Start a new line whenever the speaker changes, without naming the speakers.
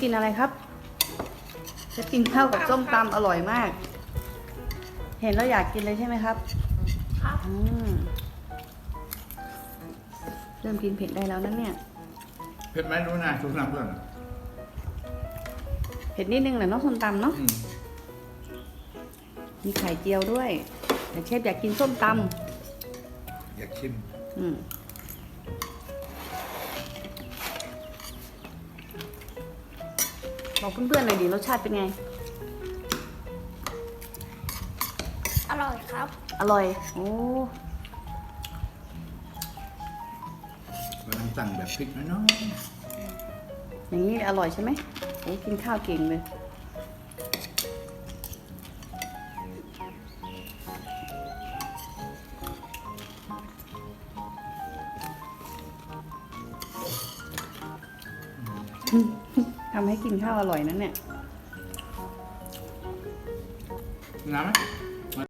กินอะไรครับจะกินข้าวกับส้มตำอร่อยมาก เห็นแล้วอยากกินเลยใช่ไหมครับ
ครับ
เริ่มกินเผ็ดได้แล้วนั่นเนี่ย
เผ็ดไหมรู้นะทุกน้ำเพื่อน
เผ็ดนิดนึงแหละเนาะส้มตำเนาะ
อืม
มีไข่เจียวด้วยแต่เชฟอยากกินส้มต
อยากชิม
ำบอกเพื่อนๆหน่อยดิรสชาติเป็นไง
อร่อยครับ
อร่อย โอ้
กำลังสั่งแบบพริกน้อย
อย่างนี้อร่อยใช่ไหมโอ้กินข้าวเก่งเลยทำให้กินข้าวอร่อยนั่นเนี่ย
ๆน้ำไหม